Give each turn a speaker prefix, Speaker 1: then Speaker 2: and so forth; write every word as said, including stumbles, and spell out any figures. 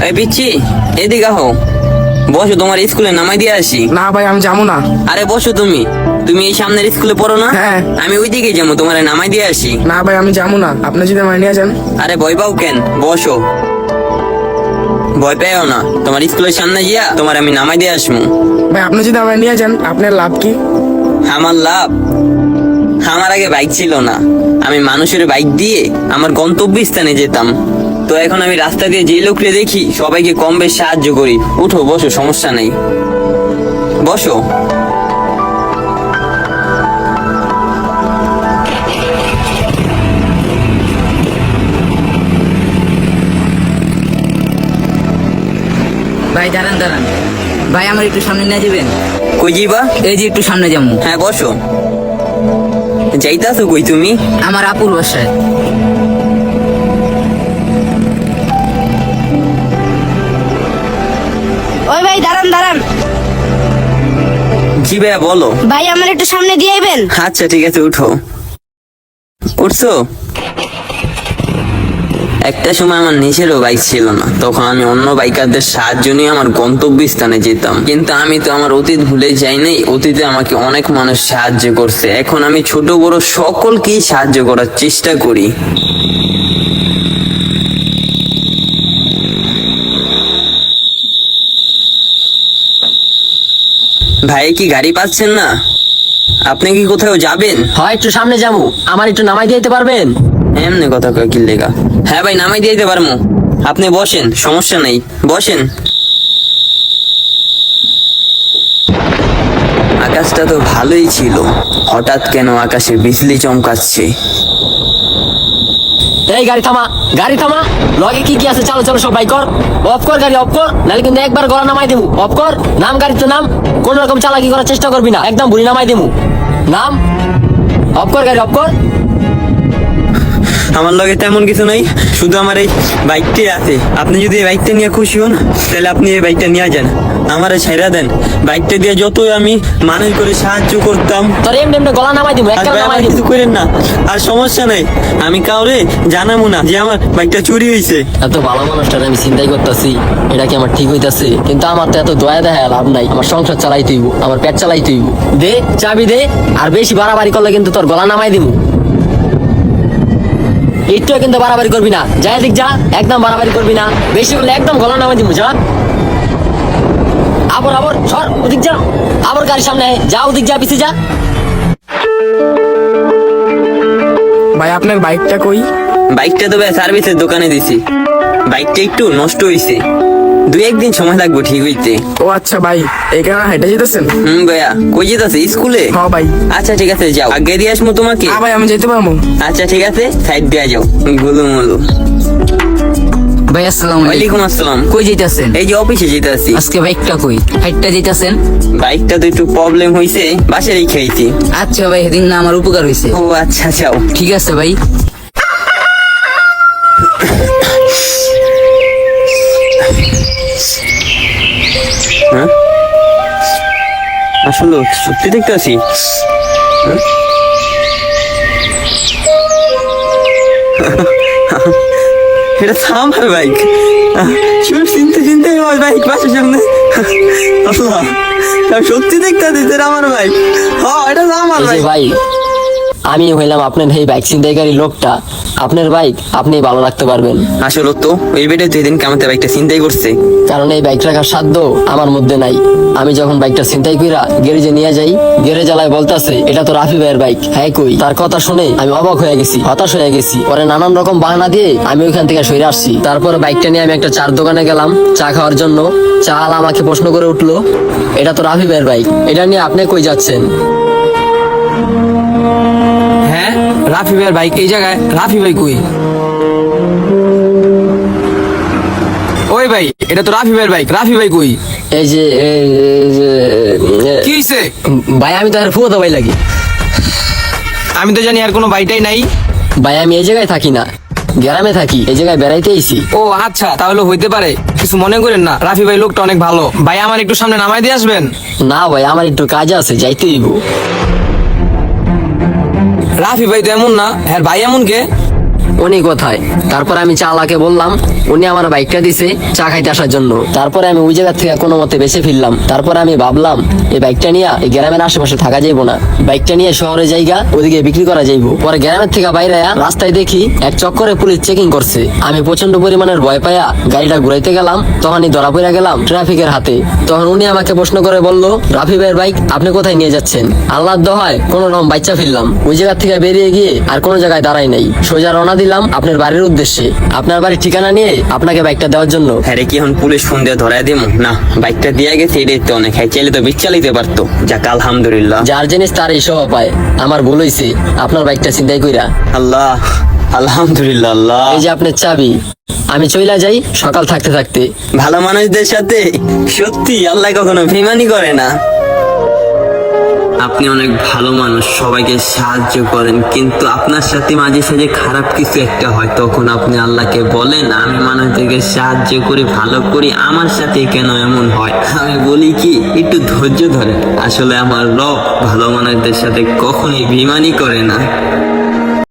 Speaker 1: এই পিচ্ছি, এদিকে আহো, বসো, তোমার স্কুলে নামাই দিয়ে আসি।
Speaker 2: না ভাই আমি যাবো না।
Speaker 1: আরে বসো, তুমি তুমি এই সামনের স্কুলে পড়ো না?
Speaker 2: হ্যাঁ।
Speaker 1: আমি ওই দিকে যাবো, তোমার নামাই দিয়ে আসি।
Speaker 2: না ভাই আমি যাবো না, আপনি যদি আমার নিয়ে যান।
Speaker 1: আরে ভয় পাও কেন, বসো, ভয় পেও না, তোমার স্কুলের সামনে গিয়া তোমার আমি নামাই দিয়ে আসবো।
Speaker 2: ভাই আপনি যদি আমার নিয়ে যান, আপনার লাভ কি?
Speaker 1: আমার লাভ? আমার আগে বাইক ছিল না, আমি মানুষের বাইক দিয়ে আমার গন্তব্য স্থানে যেতাম। তো এখন আমি রাস্তা দিয়ে যে লোককে দেখি সবাইকে কম বেশ সাহায্য করি। উঠো, বসো, সমস্যা নেই, বসো।
Speaker 3: ভাই দাঁড়ান দাঁড়ান, ভাই আমার একটু সামনে নিয়ে যাবেন?
Speaker 1: কই যাইবা?
Speaker 3: এই যে একটু সামনে যাবো।
Speaker 1: হ্যাঁ বসো। যাইতাছো কই তুমি?
Speaker 3: আমার আপুর বাসায়।
Speaker 4: ওই ভাই দাঁড়ান দাঁড়ান,
Speaker 1: জি ভাইয়া বলো।
Speaker 4: ভাই আমার একটু সামনে দিয়ে আইবেন?
Speaker 1: আচ্ছা ঠিক আছে, উঠো। উঠছো? একটা সময় আমার নিজেরও বাইক ছিল না, তখন আমি অন্য বাইকারদের সাহায্য নিয়ে আমার গন্তব্য স্থানে যেতাম। কিন্তু আমি তো আমার অতীত ভুলে যাই নাই, অতীতে আমাকে অনেক মানুষ সাহায্য করছে। এখন আমি ছোট বড় সকলকেই সাহায্য করার চেষ্টা করি। ভাই কি গাড়ি পাচ্ছেন না? আপনি কি কোথাও যাবেন?
Speaker 5: হয় একটু সামনে যাবো, আমার একটু নামাই দিতে পারবেন?
Speaker 1: এমনি কথা কয় কি লেগা? হ্যাঁ ভাই, নামাই দিয়ে দিতে পারবো, আপনি বসেন, সমস্যা নেই, বসেন। আকাশটা তো ভালোই ছিল, হঠাৎ কেন আকাশে বিজলি চমকাচ্ছে?
Speaker 5: এই গাড়ি থামা, গাড়ি থামা, লগে কি কি আছে, চলো চলো সব বাইক কর, অফ কর গাড়ি, অফ কর, নাহলে কিন্তু একবার গলা নামাই দেবো। অফ কর, নাম গাড়ি তো নাম, কোন রকম চালাকি করার চেষ্টা করবি না, একদম বুড়ি নামাই দেবো, নাম, অফ কর গাড়ি, অফ কর।
Speaker 1: আমার লগে তেমন কিছু নাই, শুধু আমার এই বাইকটাই আছে। আপনি যদি এই বাইকটা নিয়ে খুশি হন, তাহলে আপনি এই বাইকটা নিয়ে যান, আমারে ছাইরা দেন। বাইকটা দিয়ে যতই আমি মানুষ করে সাহায্য করতাম,
Speaker 5: তোর এমনি এমনি গলা নামাই দেবো,
Speaker 1: আর
Speaker 5: একটা
Speaker 1: ভাই
Speaker 5: নামাই
Speaker 1: আমার
Speaker 5: দেবো।
Speaker 1: কিছু করেন না, আর সমস্যা নাই, আমি কাউরে জানাবো না যে আমার বাইকটা চুরি হয়েছে।
Speaker 5: এত ভালো মানুষটার আমি চিন্তাই করতেছি, এটা কি আমার ঠিক হইতাছে? কিন্তু আমার তো এত দয়া দেখা লাভ নাই, আমার সংসার চালাই তুইব, আমার পেট চালাই তুইব। দে চাবি দে, আর বেশি বাড়াবাড়ি করলে কিন্তু তোর গলা নামাই দিব। একটু কিন্তু বাড়াবাড়ি করবি না, যাই দিক যা, একদম বাড়াবাড়ি করবি না, বেশি করলে একদম গলা নামাই দিব। যা আবার আবার সর, ওদিক যা, আবার গাড়ির সামনে আয়, যা, ওদিক যা, পিছিয়ে যা।
Speaker 2: ভাই আপনার বাইকটা কই?
Speaker 1: বাইকটা তো ভাই সার্ভিসের দোকানে দিছি, বাইকটা একটু নষ্ট হয়েছে, দুই একদিন সময় লাগবে ঠিক হইতে।
Speaker 2: ও আচ্ছা ভাই, এই কারণে হেঁটে যেতেছেন?
Speaker 1: হুম ভাইয়া, কই যেতেছে? স্কুলে?
Speaker 2: হ্যাঁ ভাই।
Speaker 1: আচ্ছা ঠিক আছে, যাও, আগে দিয়ে আসবো তোমাকে।
Speaker 2: হ্যাঁ ভাই আমি যেতে পারবো।
Speaker 1: আচ্ছা ঠিক আছে, সাইড দিয়ে যাও, গুলু মুলু।
Speaker 3: ভাই আসসালামু আলাইকুম।
Speaker 1: ওয়ালাইকুম আসসালাম।
Speaker 3: কই যাইতাছেন?
Speaker 1: এই যে অফিসে যেতে আছি।
Speaker 3: আজকে বাইকটা কই? হাইটটা যাইতাছেন?
Speaker 1: বাইকটা তো একটু প্রবলেম হয়েছে, বাসে রেখে আইছি।
Speaker 3: আচ্ছা ভাই, সেদিন না আমার উপকার হয়েছে।
Speaker 1: ও আচ্ছা, যাও।
Speaker 3: ঠিক আছে ভাই।
Speaker 1: হ্যাঁ আসলে সত্যি দেখতে আছি। এটা তো আমার বাইক, চিনতে চিনতে আমার বাইক বাসার সামনে। আল্লাহ, আমি সত্যি দেখতে আছি এটা আমার বাইক। হ্যাঁ এটা তো আমার
Speaker 5: এই যে
Speaker 1: বাইক।
Speaker 5: ভাই, আমি হইলাম আপনার এই বাইক ছিনতাইকারী লোকটা, আপনার বাইক আপনি ভালো রাখতে পারবেন,
Speaker 1: আসলে তো ওই বেটে দুই দিন কামাতে বাইকটা চিন্তাই করছে।
Speaker 5: কারণ এই বাইক রাখার সাধ্য আমার মধ্যে নাই। আমি যখন বাইকটা ছিনতাই কইরা গ্যারেজে নিয়ে যাই, গ্যারেজ আলায় বলতাছে এটা তো রাফি ভাইয়ের বাইক। হ্যাঁ কই, তার কথা শুনে আমি অবাক হয়ে গেছি, হতাশ হয়ে গেছি। পরে নানান রকম বাহানা দিয়ে আমি ওইখান থেকে সরে আসছি। তারপরে বাইকটা নিয়ে আমি একটা চার দোকানে গেলাম চা খাওয়ার জন্য। চা আলা আমাকে প্রশ্ন করে উঠলো, এটা তো রাফি ভাইয়ের বাইক, এটা নিয়ে আপনি কই যাচ্ছেন?
Speaker 6: হ্যাঁ রাফি ভাইয়ের বাইক এই জায়গায়, রাফি ভাই কই? ওই ভাই এটা তো রাফি ভাইয়ের বাইক, রাফি ভাই কই?
Speaker 5: এই যে এই যে,
Speaker 6: কি হইছে?
Speaker 5: ভাই আমি তো আর ফুয়াতো ভাই লাগি।
Speaker 6: আমি তো জানি আর কোনো বাইটাই নাই।
Speaker 5: ভাই আমি এই জায়গায় থাকি না, গ্রামে থাকি, এই জায়গায় বেড়াইতে আইছি।
Speaker 6: ও আচ্ছা, তাহলে হইতে পারে, কিছু মনে করেন না। রাফি ভাই লোকটা অনেক ভালো, ভাই আমার একটু সামনে নামাই দিয়ে আসবেন?
Speaker 5: না ভাই আমার একটু কাজ আছে, যাইতে দিব।
Speaker 6: রাফি ভাই তো এমন না, হ্যাঁ ভাই এমন কে?
Speaker 5: উনি কোথায়? তারপর আমি চালাকে বললাম উনি আমার বাইকটা দিছে চা খাইতে আসার জন্য। তারপরে আমি ওই জায়গা থেকে কোনো মতে বেঁচে ফিরলাম। তারপরে আমি ভাবলাম এই বাইকটা নিয়ে এই গ্রামের আশেপাশে থাকা যাইবো না, বাইকটা নিয়ে শহরে জায়গা ওদিকে বিক্রি করা যাইবো। পরে গ্রামের থেকে বাইরে আয়া রাস্তায় দেখি এক চক্করে পুলিশ চেকিং করছে। আমি প্রচন্ড পরিমাণের ভয় পাইয়া গাড়িটা ঘুরাইতে গেলাম, তখনই ধরা পড়ে গেলাম ট্রাফিকের হাতে। তখন উনি আমাকে প্রশ্ন করে বলল, রাফি ভাইয়ের বাইক আপনি কোথায় নিয়ে যাচ্ছেন? আল্লাহর দোহায় কোনো রকম বাচ্চা ফিরলাম, ওই জায়গা থেকে বেরিয়ে গিয়ে আর কোনো জায়গায় দাঁড়াই নাই, সোজা রওনা দিলাম আপনার বাড়ির উদ্দেশ্যে, আপনার বাড়ির ঠিকানা নিয়ে আপনাকে বাইকটা দেওয়ার জন্য।
Speaker 1: হ্যাঁ রে, কি এখন পুলিশ ফোন দিয়ে ধরাই দিব না? বাইকটা দিয়ে গেছে, এটাই তো অনেক। হ্যাঁ, চাইলে তো বিচালিতে পারতো। যাক আলহামদুলিল্লাহ।
Speaker 5: যার জিনিস তার এই স্বভাব পায়। আমার ভুল হয়েছে, আপনার বাইকটা চিন্তাই কইরা।
Speaker 1: আল্লাহ, আলহামদুলিল্লাহ। আল্লাহ,
Speaker 5: এই যে আপনার চাবি, আমি চইলা যাই সকাল থাকতে থাকতে।
Speaker 1: ভালো মানুষদের সাথে সত্যি আল্লাহ কখনো বেইমানি করে না। আপনি অনেক ভালো মানুষ, সবাইকে সাহায্য করেন, কিন্তু আপনার সাথে মাঝে সাঝে খারাপ কিছু একটা হয়, তখন আপনি আল্লাহকে বলেন আমি মানুষদেরকে সাহায্য করি, ভালো করি, আমার সাথে কেন এমন হয়? আমি বলি কি একটু ধৈর্য ধরেন। আসলে আমার রব ভালো মানুষদের সাথে কখনোই বেইমানি করে না।